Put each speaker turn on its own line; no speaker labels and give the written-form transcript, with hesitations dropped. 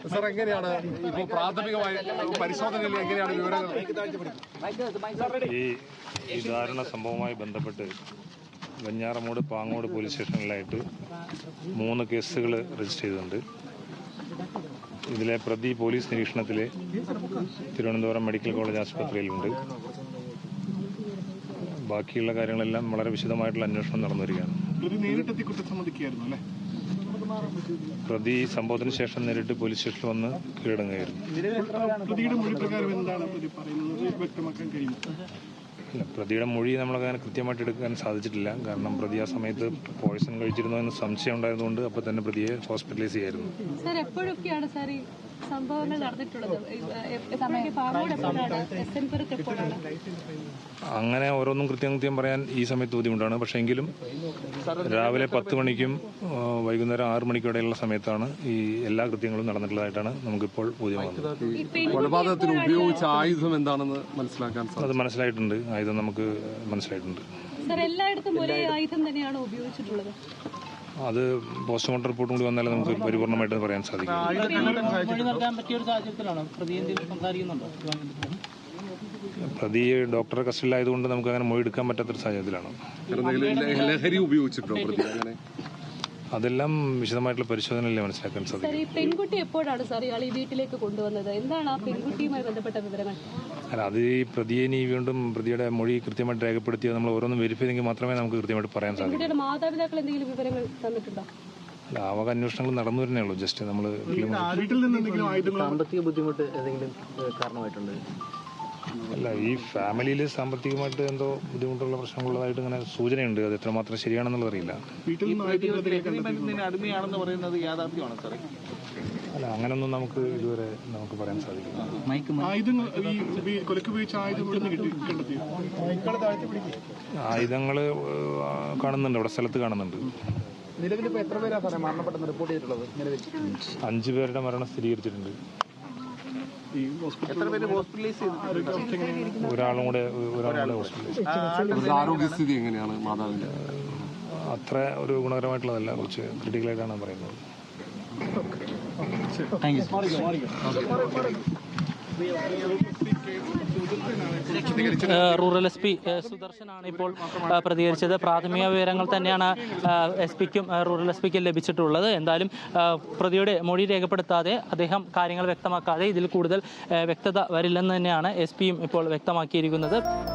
Sir എങ്ങനെയാണ് ഇപ്പോൾ പ്രാഥമികമായ പരിശോധനയിൽ എങ്ങനെയാണ് വിവരങ്ങൾ?
ഈ ദാരുണ സംഭവവുമായി ബന്ധപ്പെട്ട് വെഞ്ഞാറമൂട് പാങ്ങോട് പോലീസ് സ്റ്റേഷനിലായിട്ട് 3 കേസുകൾ രജിസ്റ്റർ ചെയ്തിട്ടുണ്ട്. ഇതിലെ പ്രതി പോലീസ് നിരീക്ഷണത്തിൽ തിരുവനന്തപുരം മെഡിക്കൽ കോളേജ് ആശുപത്രിയിലുണ്ട്. ബാക്കിയുള്ള കാര്യങ്ങളെല്ലാം വളരെ വിശദമായിട്ടുള്ള അന്വേഷണം നടന്നു വരികയാണ്. പ്രതി സംഭവത്തിന് ശേഷം നേരിട്ട് പോലീസ് സ്റ്റേഷനിൽ വന്ന് കീഴടങ്ങുകയായിരുന്നു. പ്രതിയുടെ മൊഴി നമ്മളങ്ങനെ കൃത്യമായിട്ട് എടുക്കാൻ സാധിച്ചിട്ടില്ല. കാരണം പ്രതി ആ സമയത്ത് പോയിസൺ കഴിച്ചിരുന്നോ എന്ന് സംശയം ഉണ്ടായതുകൊണ്ട് അപ്പോൾ തന്നെ പ്രതിയെ ഹോസ്പിറ്റലൈസ് ചെയ്യായിരുന്നു.
സാർ എപ്പോഴൊക്കെയാണ് സാർ ഈ സംഭവങ്ങൾ നടന്നിട്ടുള്ളത്?
അങ്ങനെ ഓരോന്നും കൃത്യം പറയാൻ ഈ സമയത്ത് ബുദ്ധിമുട്ടാണ്. പക്ഷേ എങ്കിലും രാവിലെ 10 മണിക്കും വൈകുന്നേരം 6 മണിക്കും ഇടയിലുള്ള സമയത്താണ് ഈ എല്ലാ കൃത്യങ്ങളും നടന്നിട്ടുള്ളതായിട്ടാണ് നമുക്കിപ്പോൾ ബോധ്യമാകുന്നത്.
കൊലപാതകത്തിന് ഉപയോഗിച്ച ആയുധം എന്താണെന്ന് മനസ്സിലാക്കാൻ
അത് മനസ്സിലായിട്ടുണ്ട്. ആയുധം നമുക്ക് മനസ്സിലായിട്ടുണ്ട്.
സാർ എല്ലായിടത്തും ഒരേ ആയുധം തന്നെയാണ് ഉപയോഗിച്ചിട്ടുള്ളത്?
അത് പോസ്റ്റ്മോർട്ടം റിപ്പോർട്ടും കൂടി വന്നാലേ നമുക്ക് പരിപൂർണമായിട്ട് പറയാൻ സാധിക്കും. പ്രതി ഡോക്ടറെ കസ്റ്റഡിയിലായതുകൊണ്ട് നമുക്ക് അങ്ങനെ മൊഴി എടുക്കാൻ പറ്റാത്തൊരു സാഹചര്യത്തിലാണ്.
ലഹരി ഉപയോഗിച്ചിട്ടുണ്ടോ പ്രതി? അങ്ങനെ
അതെല്ലാം വിശദമായിട്ടുള്ള പരിശോധനയിലേ മനസ്സിലാക്കാൻ സാധിക്കും.
ഈ പെൺകുട്ടി എപ്പോഴാണ് സാർ ഇയാൾ ഈ വീട്ടിലേക്ക് കൊണ്ടുവന്നത്? എന്താണ് ആ പെൺകുട്ടിയുമായി ബന്ധപ്പെട്ട വിവരങ്ങൾ?
അല്ല, അത് ഈ പ്രതിയെ ഇനി വീണ്ടും പ്രതിയുടെ മൊഴി കൃത്യമായിട്ട് രേഖപ്പെടുത്തിയത് നമ്മൾ ഓരോന്നും വെരിഫൈ ചെയ്തെങ്കിൽ മാത്രമേ നമുക്ക് കൃത്യമായിട്ട് പറയാൻ സാധിക്കൂ.
കുട്ടിയുടെ മാതാപിതാക്കൾ എന്തെങ്കിലും വിവരങ്ങൾ തന്നിട്ടുണ്ടോ?
അല്ല, ആവക അന്വേഷണങ്ങൾ നടന്നു വരുന്നേ ഉള്ളൂ. ജസ്റ്റ് നമ്മൾ
സാമ്പത്തിക ബുദ്ധിമുട്ട് ഏതെങ്കിലും കാരണമായിട്ടുണ്ട്?
അല്ല, ഈ ഫാമിലിയിൽ സാമ്പത്തികമായിട്ട് എന്തോ ബുദ്ധിമുട്ടുള്ള പ്രശ്നങ്ങളുള്ളതായിട്ട് ഇങ്ങനെ സൂചനയുണ്ട്. അത് എത്രമാത്രം ശരിയാണെന്നുള്ളത് അറിയില്ല.
അടിമയാണെന്ന് പറയുന്നത് യാഥാർത്ഥ്യമാണ് സാറേ?
അല്ല, അങ്ങനൊന്നും നമുക്ക് ഇതുവരെ നമുക്ക് പറയാൻ സാധിക്കില്ല. ആയുധങ്ങൾ കാണുന്നുണ്ട്, അവിടെ സ്ഥലത്ത് കാണുന്നുണ്ട്.
നിലവിൽ ഇപ്പോൾ എത്ര പേരാണ് സാറേ മരണപ്പെട്ടെന്ന് റിപ്പോർട്ട് ചെയ്തിട്ടുള്ളത്? നിലവിൽ 5
പേരുടെ മരണം സ്ഥിരീകരിച്ചിട്ടുണ്ട്.
എത്ര പേര് ഹോസ്പിറ്റലൈസ് ചെയ്തിട്ടുണ്ട്?
ഒരാളും കൂടെ ഹോസ്പിറ്റലൈസ്.
ആരോഗ്യസ്ഥിതി എങ്ങനെയാണ് മാതാവിന്റെ?
അത്ര ഒരു ഗുണകരമായിട്ടുള്ളതല്ല, കുറച്ച് ക്രിട്ടിക്കലായിട്ടാണ് പറയുന്നത്.
റൂറൽ എസ് പി സുദർശനാണ് ഇപ്പോൾ പ്രതികരിച്ചത്. പ്രാഥമിക വിവരങ്ങൾ തന്നെയാണ് എസ് പിക്കും റൂറൽ എസ് പിക്കും ലഭിച്ചിട്ടുള്ളത്. എന്തായാലും പ്രതിയുടെ മൊഴി രേഖപ്പെടുത്താതെ അദ്ദേഹം കാര്യങ്ങൾ വ്യക്തമാക്കാതെ ഇതിൽ കൂടുതൽ വ്യക്തത വരില്ലെന്ന് തന്നെയാണ് എസ് പിയും ഇപ്പോൾ വ്യക്തമാക്കിയിരിക്കുന്നത്.